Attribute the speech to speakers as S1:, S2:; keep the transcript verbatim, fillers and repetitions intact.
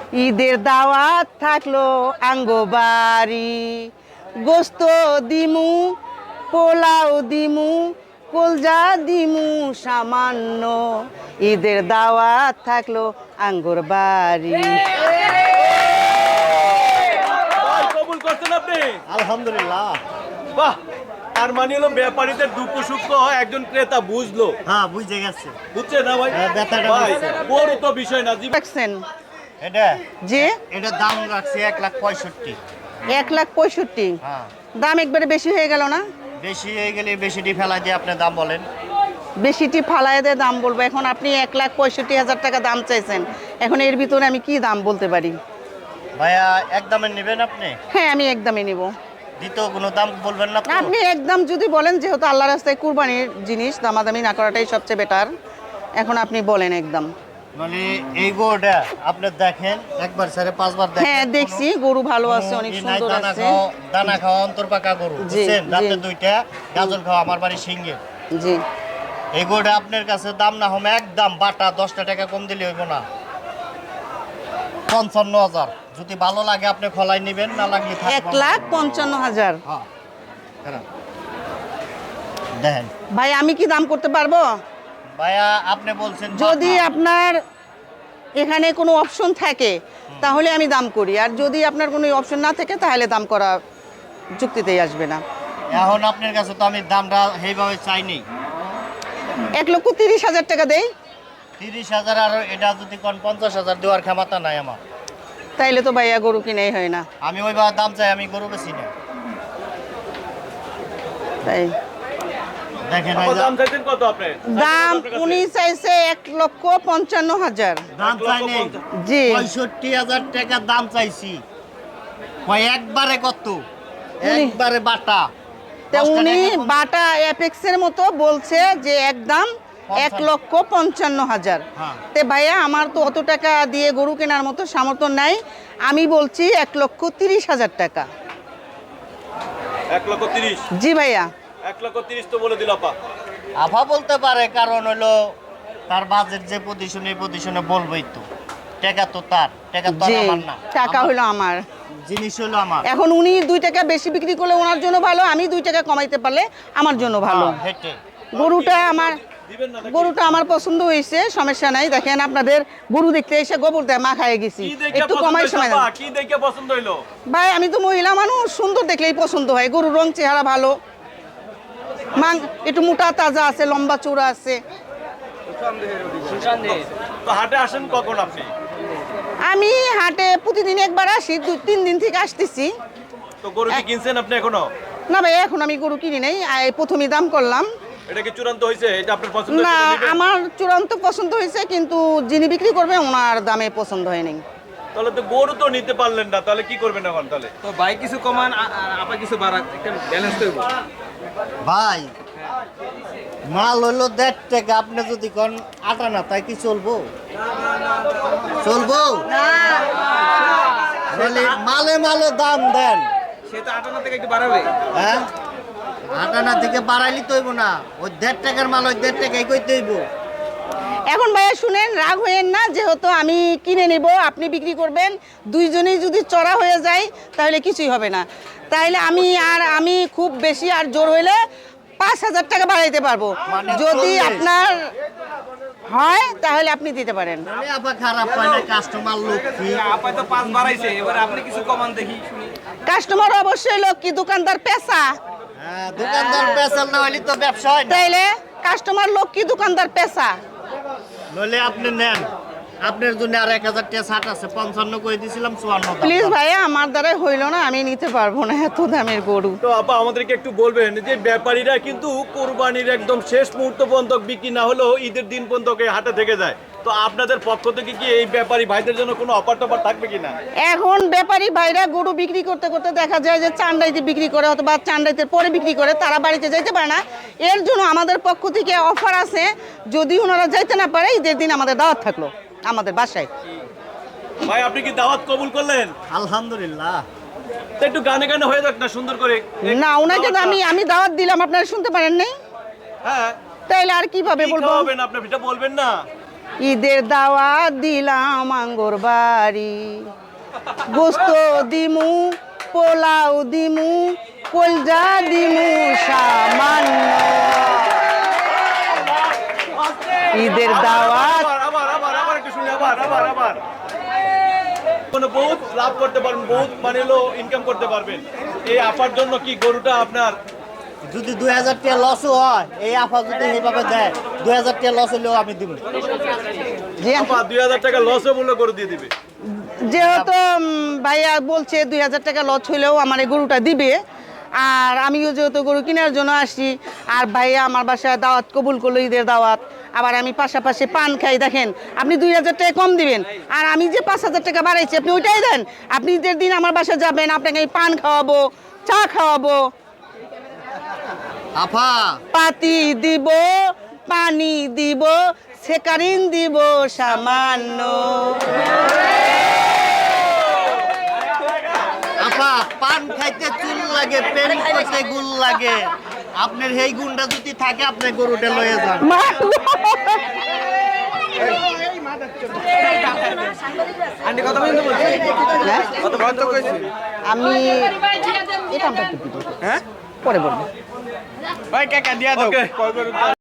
S1: ঈদের দাওয়াত থাকলো আঙ্গো বাড়ি, গোস্ত দিমু, পোলাও দিমু, কলজা দিমু সামান্য, ঈদের দাওয়াত থাকলো আঙ্গুর বাড়ি।
S2: কবুল করছেন আপনি?
S3: আলহামদুলিল্লাহ।
S2: বাহ, তার মানে হলো ব্যাপারীদের দুঃখ সুখ একজন ক্রেতা বুঝলো।
S3: হ্যাঁ, বুঝে গেছে।
S2: বুঝছে না ভাই?
S3: হ্যাঁ, ব্যাপারটা
S2: ভাই
S3: বুঝছে।
S2: বড় তো বিষয় না। জীবন
S1: দেখছেন
S3: এটা
S1: যে
S3: এটা দাম রাখছে এক লাখ পঁয়ষট্টি।
S1: এক লাখ পঁয়ষট্টি
S3: হ্যাঁ,
S1: দাম একবারে বেশি হয়ে গেল না?
S3: বেশি হয়ে গেলে বেশিটি ফেলা দিয়ে আপনি দাম বলেন।
S1: বেশিটি ফালায় দিয়ে দাম বলবো? এখন আপনি এক লাখ পঁয়ষট্টি হাজার টাকা দাম চাইছেন, এখন এর ভিতরে আমি কি দাম বলতে পারি?
S3: ভাইয়া এক দামে নেবেন আপনি?
S1: হ্যাঁ, আমি একদমই নিব।
S3: দ্বিতীয় কোনো দাম বলবেন না তো?
S1: আপনি একদম যদি বলেন, যেহেতু আল্লাহ রাস্তায় কুরবানির জিনিস, দামাদামি না করাটাই সবচেয়ে বেটার। এখন আপনি বলেন একদম।
S3: মানে এই গরুটা আপনি দেখেন একবার সাড়ে পাঁচবার দেখেন।
S1: হ্যাঁ, দেখছি গরু ভালো আছে, অনেক
S3: কোনো ই নাই,
S1: সুন্দর
S3: দানা
S1: আছে।
S3: খাওয়া দানা খাওয়া অন্তর পাকা গরু,
S1: জি,
S3: বুঝছেন?
S1: জি।
S3: রাতে দুইটা গাজর খাওয়া আমার বাড়ি সিঙ্গে।
S1: জি,
S3: এই গরুটা আপনার কাছে দাম না হবে একদম বাটা দশটা টাকা কম দিলে হইব না, পঞ্চান্ন হাজার। যদি ভালো লাগে আপনি খলাই নেবেন, না লাগলে থাকবে।
S1: এক লাখ পঞ্চান্ন হাজার।
S3: হ্যাঁ, খারাপ। দেখেন
S1: ভাই, আমি কি দাম করতে পারবো?
S3: ভাইয়া, আপনি বলছেন
S1: যদি
S3: বাটা।
S1: আপনার এখানে কোনো অপশন থাকে তাহলে আমি দাম করি, আর যদি আপনার কোনো অপশন না থাকে তাহলে দাম করা যুক্তিতেই আসবে না।
S3: এখন আপনার কাছে তো আমি দামটা সেইভাবে চাইনি।
S1: এক লক্ষ তিরিশ হাজার টাকা দেই,
S3: তিরিশ হাজার আর এটা যদি কোন পঞ্চাশ হাজার দেওয়ার ক্ষমতা নাই আমার।
S1: তাইলে তো ভাইয়া গরু কিনেই হয় না।
S3: আমি ওইভাবে দাম চাই, আমি গরু বেশি না।
S1: তাই
S3: দেখেন
S2: আপা,
S3: এই যে-
S2: দাম চাইছেন কত আপনি?
S1: দাম
S2: আপনার কাছে?
S1: উনি চাইছে এক লক্ষ পঞ্চান্ন হাজার।
S3: দাম
S2: এক লক্ষ
S3: চাই নেই,
S2: পঞ্চাশ।
S1: জি,
S3: পঁয়ষট্টি হাজার টাকা দাম চাইছি। কয় একবারে কত?
S1: উনি-
S3: একবারে বাটা
S1: তা
S3: দশটা
S1: উনি
S3: টাকা কম-
S1: বাটা অ্যাপেক্সের মতো বলছে যে একদম এক লক্ষ পঞ্চান্ন হাজার।
S3: হ্যাঁ।
S1: তে ভাইয়া, আমার তো অত টাকা দিয়ে গরু কেনার মতো সামর্থ্য নাই, আমি বলছি এক লক্ষ তিরিশ হাজার টাকা।
S2: এক লক্ষ তিরিশ।
S1: জি ভাইয়া।
S2: এক লক্ষ তিরিশ তো বলে দিল আপা।
S3: আফা বলতে পারে, কারণ হলো তার বাজেট যে পজিশনে এই পজিশনে বলবেই তো। টাকা তো তার, টাকা তো আর
S1: জি,
S3: আমার না।
S1: টাকা
S3: আমার
S1: হলো আমার।
S3: জিনিস হলো আমার।
S1: এখন উনি দুই টাকা বেশি বিক্রি করলে ওনার জন্য ভালো, আমি দুই টাকা কমাইতে পারলে আমার জন্য ভালো।
S3: হ্যাঁ, হেঁটে
S1: গরুটা আমার
S2: দিবেন না নাকি?
S1: গরুটা আমার পছন্দ হয়েছে, সমস্যা নাই। দেখেন, আপনাদের গরু দেখতে এসে গোবর দেয় মা খাইয়ে গেছি,
S2: কি দেখে
S1: একটু
S2: পছন্দ
S1: কমাই
S2: হইলো
S1: সময়
S2: আপা?
S1: দেন।
S2: কি দেখে পছন্দ হইলো?
S1: ভাই, আমি তো মহিলা মানুষ, সুন্দর দেখলেই পছন্দ হয়। গরুর রং চেহারা ভালো, মাং একটু মোটা তাজা আছে, লম্বা চূড়া আছে।
S2: তো হাটে আসেন কখন আপনি?
S1: আমি হাটে প্রতিদিন একবার আসি, দুই তিন দিন থেকে আসতেছি।
S2: তো গরু কি কিনছেন আপনি এখনো?
S1: না ভাই, এখন আমি গরু কিনি নাই, এই প্রথমই দাম করলাম।
S2: এটা কি চূড়ান্ত হয়েছে? এটা আপনার পছন্দ
S1: না,
S2: হয়েছে, নিবেন?
S1: আমার চূড়ান্ত পছন্দ হয়েছে, কিন্তু যিনি বিক্রি করবে ওনার দামে পছন্দ হয়নি।
S2: তাহলে তো গরু তো নিতে পারলেন না, তাহলে কি করবেন এখন? তাহলে
S4: তো ভাই কিছু কমান, আ- আ- আপা কিছু বাড়াক, একটা ব্যালেন্স করব।
S3: ভাই, মাল হলো দেড় টাকা, আপনি যদি কোন আটা না, তাই কি চলবো? চলবো? তাহলে মালে মালে দাম দেন।
S4: সে তো আটানা থেকে একটু বাড়াবে।
S3: হ্যাঁ, আটানা থেকে বাড়াইলি তো হইব না। ওই দেড় টাকার মাল ওই দেড় টাকাই কইতে হইব।
S1: এখন ভাইয়া শুনেন, রাগ হইয়েন না, যেহেতু আমি কিনে নেব, আপনি বিক্রি করবেন, দুইজনেই যদি চড়া হয়ে যায় তাহলে কিছুই হবে না। তাইলে আমি আর আমি খুব বেশি আর জোর হইলে পাঁচ হাজার টাকা বাড়াইতে পারবো।
S3: মানে
S1: যদি
S3: চল্লিশ।
S1: আপনার হয় তাহলে আপনি দিতে পারেন।
S3: মানে আপা খারাপ পায় না, কাস্টমার লক্ষ্মী।
S4: আপা তো পাঁচ বাড়াইছে, এবার আপনি কিছু কমান দেখি শুনি।
S1: কাস্টমার অবশ্যই লক্ষ্মী, দোকানদার পেশা।
S3: হ্যাঁ, দোকানদার পেশাল না হইলে তো ব্যবসা হয় না।
S1: তাইলে কাস্টমার লক্ষ্মী, দোকানদার পেশা।
S3: নইলে আপনি নেন, আপনার জন্য আর এক হাজার টাকা ছাট আছে। পঞ্চান্ন করে দিয়েছিলাম, চুয়ান্ন দাম।
S1: প্লিজ ভাইয়া, আমার দ্বারাই হইল না, আমি নিতে পারবো না এত দামের গরু।
S2: তো আপা আমাদেরকে একটু বলবেন যে ব্যাপারীরা কিন্তু কোরবানির একদম শেষ মুহূর্ত পর্যন্ত বিক্রি না হলেও ঈদের দিন পর্যন্ত এই হাটে থেকে যায়। তো আপনাদের পক্ষ থেকে কি এই ব্যাপারী ভাইদের জন্য কোনো অফার টফার থাকবে কিনা?
S1: এখন ব্যাপারী ভাইরা গরু বিক্রি করতে করতে দেখা যায় যে চান্ডাইতে বিক্রি করে অথবা চান্ডাইতে পরে বিক্রি করে, তারা বাড়িতে যাইতে পারে না। এর জন্য আমাদের পক্ষ থেকে অফার আছে, যদি ওনারা যাইতে না পারে ঈদের দিন আমাদের দাওয়াত থাকলো আমাদের বাসায়।
S2: ভাই, আপনি কি দাওয়াত কবুল করলেন?
S3: আলহামদুলিল্লাহ।
S2: তো একটু গানে গানে হয়ে যাক না, সুন্দর করে।
S1: না, ওনাকে তো আমি আমি দাওয়াত দিলাম, আপনারা শুনতে পারেন নাই,
S2: হ্যাঁ,
S1: তাইলে আর কিভাবে
S2: কি
S1: বলবো?
S2: খাওয়াবেন আপনি? এটা বলবেন না।
S1: ঈদের দাওয়াত দিলাম আঙ্গর বাড়ি, গোস্ত দিমু, পোলাও দিমু, কলজা দিমু সামান্য। ঈদের দাওয়াত
S2: আবার আবার আবার আবার একটু শুনি, আবার আবার আবার কোনো বহুত লাভ করতে পারবেন, বহুত মানে হলো ইনকাম করতে পারবেন। এই আপার জন্য কি গরুটা আপনার
S3: যদি দুই হাজার টাকা লসও হয়, এই আফা যদি এইভাবে দেয়, দুই হাজার টাকা লস হলেও আমি দিব।
S1: যে
S2: আপা দুই হাজার টাকা লসও মূল্য করে দিয়ে দিবে?
S1: যেহেতু উম, ভাইয়া বলছে দুই হাজার টাকা লস হইলেও আমার এই গরুটা দিবে, আর আমিও যেহেতু গরু কেনার জন্য আসছি, আর ভাইয়া আমার বাসায় দাওয়াত কবুল করলো, ঈদের দাওয়াত, আবার আমি পাশাপাশি পান খাই। দেখেন আপনি দুই হাজার টাকা কম দিবেন, আর আমি যে পাঁচ হাজার টাকা বাড়াইছি আপনি ওইটাই দেন। আপনি ঈদের দিন আমার বাসায় যাবেন, আপনাকে আমি পান খাওয়াবো, চা খাওয়াবো,
S3: আফা
S1: পাতি দিব, পানি দিব, সেকারিন দিব সামান্য।
S3: আপা পান খাইতে চুল লাগে, প্রেম করতে গুল লাগে। আপনার এই গুণটা যদি থাকে, আপনি গরুটা লয়ে যান।
S1: মা-
S4: আন্টি কত পর্যন্ত বলছে?
S1: হ্যাঁ?
S4: কত পর্যন্ত কইছে?
S1: আমি এটা আমরা একটু দিবো।
S4: হ্যাঁ?
S1: পরে বলবো।
S4: ওই কাকা দিয়া দাও।
S2: ওকে।